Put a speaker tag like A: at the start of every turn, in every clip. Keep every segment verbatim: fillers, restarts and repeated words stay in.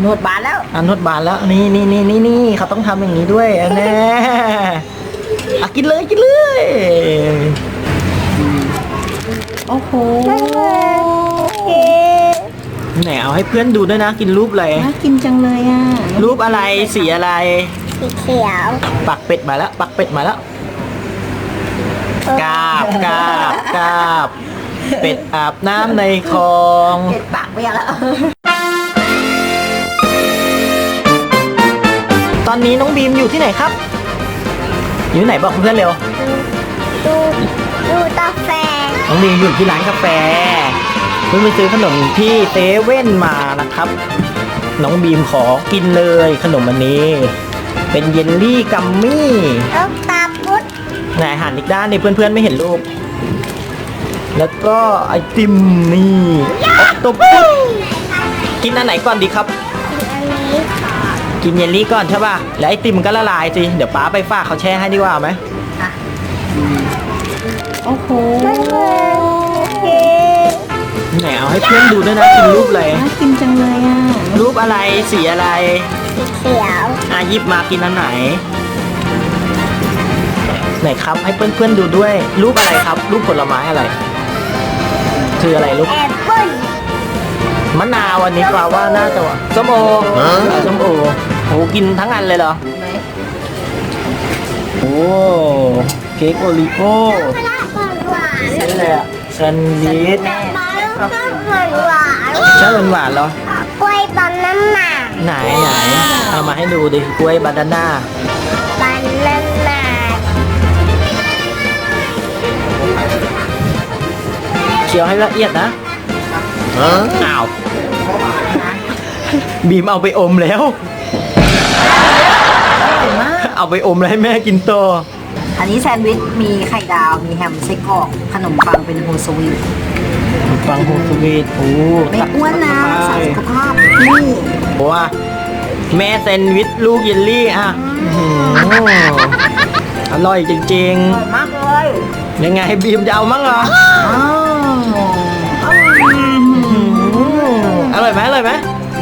A: นวดบานแล้ว
B: อ่านวดบานแล้วนี่นี่นี่นี่นี่เขาต้องทำอย่างนี้ด้วยแน่อ่ะกินเลยกินเลย
A: โอ้โห
B: ไหนเอาให้เพื่อนดูด้วยนะกินรูปอะไร
A: น่ากินจังเลยอ่ะ
B: รูปอะไรสีอะไร
C: สีเขียว
B: ปักเป็ดมาแล้วปักเป็ดมาแล้วกาบกาบกาบเป็ดอาบน้ำในคลอง
A: เป็ดปากเบี้ยแล้ว
B: ตอนนี้น้องบีมอยู่ที่ไหนครับอยู่ที่ไหนบอกเพื่อนเร็ว
C: ดูดูกาแฟ
B: น้องบีมอยู่ที่ร้านกาแฟเพิ่งไปซื้อขนมที่เซเว่นมานะครับน้องบีมขอกินเลยขนมอันนี้เป็นเยลลี่กัมมี่
C: แล้วตาพุด
B: ไหนหันอีกด้านนี่เพื่อนๆไม่เห็นรูปแล้วก็ไอติมนี่ตบปุ๊บกินอันไหนก่อนดีครับ
C: อันนี้ค่ะ
B: กินเยลลี่ก่อนใช่ป่ะแล้วไอติมก็ละลายสิเดี๋ยวป้าไปฝากเขาแช่ให้ดีกว่าไหม
A: อ่ะโอ้โห
B: ไหนเอาให้เพื่อนดูด้วยนะกินรูปอะไร
A: น่ากินจังเลยอ่ะ
B: รูปอะไรสีอะไร
C: สีเขียว
B: อ่ะหยิบมากินอันไหนไหนครับให้เพื่อนๆดูด้วยรูปอะไรครับรูปผลไม้อะไรคืออะไรลูก
C: แอปเปิ้ล
B: มะนาววันนี้ปลาว่าน่าจะส้มโอส้มโอโหกินทั้งอันเลยเหรอโอ้เค้กโอริโอ้ใช่เลยอะแซนด์วิชชอบหวานๆเหร
C: อกล้วยบานาน่า
B: ไหนไหนเอามาให้ดูดิกล้วยบานาน่า
C: บานาน่า
B: เคี้ยวให้ละเอียดนะอ้าวบีมเอาไปอมแล้วเอาไปอมแล้วให้แม่กินต่อ
A: อันนี้แซนด์วิชมีไข่ดาวมีแฮมไส้กรอกขนมปังเป็นโฮลสวีท
B: ขนมปังโฮลสวีทโอ้
A: ไม่อ้วนนะสารสุขภาพนี่
B: ว่าแม่แซนด์วิชลูกเยลลี่อ่ะอร่อยจริง
A: ๆอร่อยมากเลย
B: ยังไงบีมจะเอามั้งเหรออร่อยไหมอร่อยไหม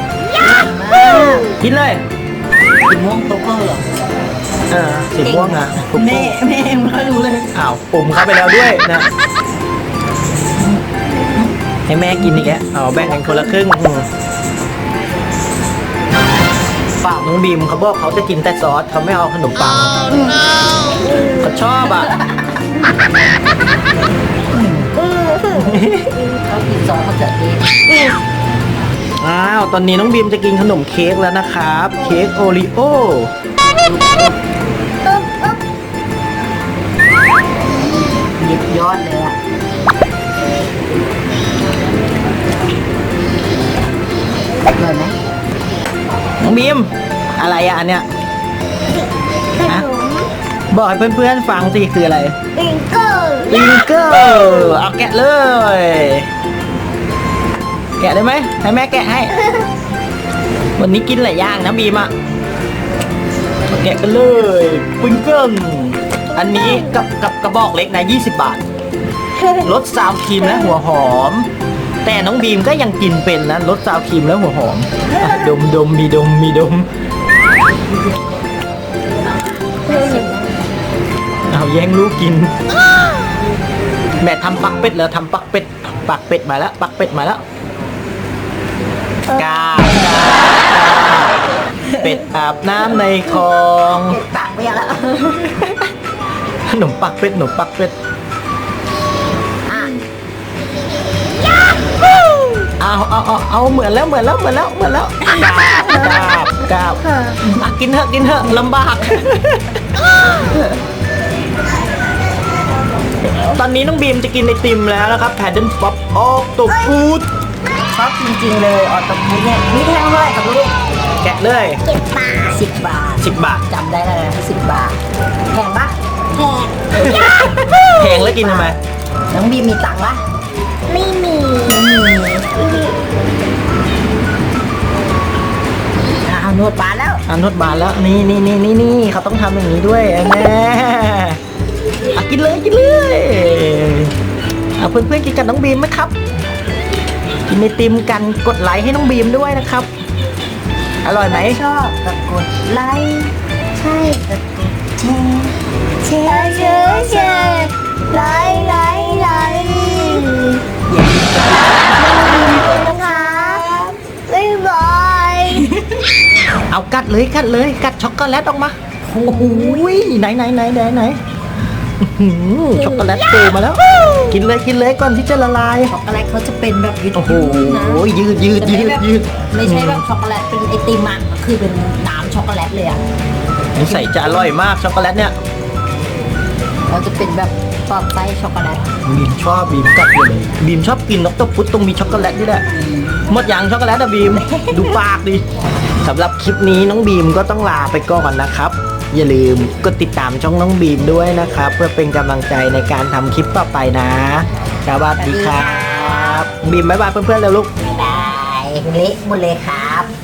B: กินเลย
A: สีม่วงโตเกอร์
B: เออสีม่วงอ่ะ
A: แม่แม่ไม่รู้เลย
B: อ้าวปุ่มเข้าไปแล้วด้วยนะให้แม่กินอีกแล้วเอาแบ่งกันคนละครึ่งฝากน้องบีมเขาบอกเขาจะกินแต่ซอสเขาไม่เอาขนมปังเขาชอบอ่ะ
A: เขากินซอสมะเขือเทศ
B: อ้าวตอนนี้น้องบีมจะกินขนมเค้กแล้วนะครับเค้กโอริโอ
A: หยิบยอดเลยอ่ะอร่อยไหม
B: น้องบีมอะไรอ่ะอันเนี้ยบอกให้เพื่อนๆฟังสิคืออะไร
C: ปิงเกิล
B: ปิงเกิลเอาแกะเลยแกะได้ไหมให้แม่แกะให้วันนี้กินหลายอย่างนะบีมอ่ะแกะกันเลยปิงเกิลอันนี้กับกับกระบอกเล็กนะยี่สิบบาทรสซาวครีมและหัวหอมแต่น้องบีมก็ยังกินเป็นนะรสซาวครีมและหัวหอมดมดมมีดมมีดมเอาแย่งลูกกินแม่ทำปักเป็ดแล้วทำปักเป็ดปักเป็ดมาแล้วปักเป็ดมาแล้วกาบกาบเป็ดอาบน้ำในคลอง
A: เป็ดปากเบี้ยแล้ว
B: ขนมปักเป็ดขนมปักเป็ดเอาเอาเอาเอาเหมือนแล้วเหมือนแล้วเหมือนแล้วเหมือนแล้วกาบกาบกาบกินเถอะกินเถอะลำบากตอนนี้น้องบีมจะกินไอติมแล้วนะครับแพดเดิลป๊อปออกตัวฟูด
A: ชอบจริงๆเลยออตฟูดเนี่ยมีแท่งเท่าไหร่ครับลูก
B: แกะเลย
C: สิบบาท
A: สิบบาท
B: สิบบาท
A: จำได้เลยสิบบาทแพงปะ
C: แพง
B: แพงแล้วกินทำไม
A: น้องบีมมีตังค์ปะ
C: ไม่มี
A: ไม่มีเอานวดบานแล้ว
B: เอานวดบานแล้วนี่นี่นี่นี่นี่เขาต้องทำอย่างนี้ด้วยแม่กินเลยกินเลยเอาเพื่อนๆกินกับน้องบีมไหมครับกินไอติมกันกดไลค์ให้น้องบีมด้วยนะครับอร่อยไหม
A: ชอบก็กดไลค์ใช่ก็กดแชร์
C: เชร์เชร์เชร์ไลค์ไลค์ไลค์นะคะบ๊ายบาย
B: เอากัดเลยกัดเลยกัดช็อกโกแลตออกมาโอ้โหไหนไหนไหนไหนไหนอื้อหือช็อกโกแลตโตมาแล้ว กินเลยกินเลยก่อนที่จะละลาย
A: ช็อกโกแลตเขาจะเป็นแบบยืด
B: โอ้โห
A: ๆนะ
B: ยืดยืดยืดยืด
A: ไม่ใช่แบบช็อกโกแลตเป็นไอติมอ่ะคือเป็นน้ำช็อกโกแลตเลยอ่ะ
B: นิสัยจะอร่อยมากช็อกโกแลตเนี่ย
A: เขาจะเป็นแบบตอนไส้ช็อกโกแลต
B: บีมชอบบีมกัดเลยบีมชอบกินนกตะพุดตรงมีช็อกโกแลตนี่แหละหมดยังช็อกโกแลตอะบีม ดูปากดิสำหรับคลิปนี้น้องบีมก็ต้องลาไปก่อนนะครับ อย่าลืมกดติดตามช่องน้องบีมด้วยนะครับ เพื่อเป็นกำลังใจในการทำคลิปต่อไปนะสวัสดีครับบีมบ๊ายบายเพื่อนๆแล้วลูก
A: บ๊ายบายเละหมดเลยครับ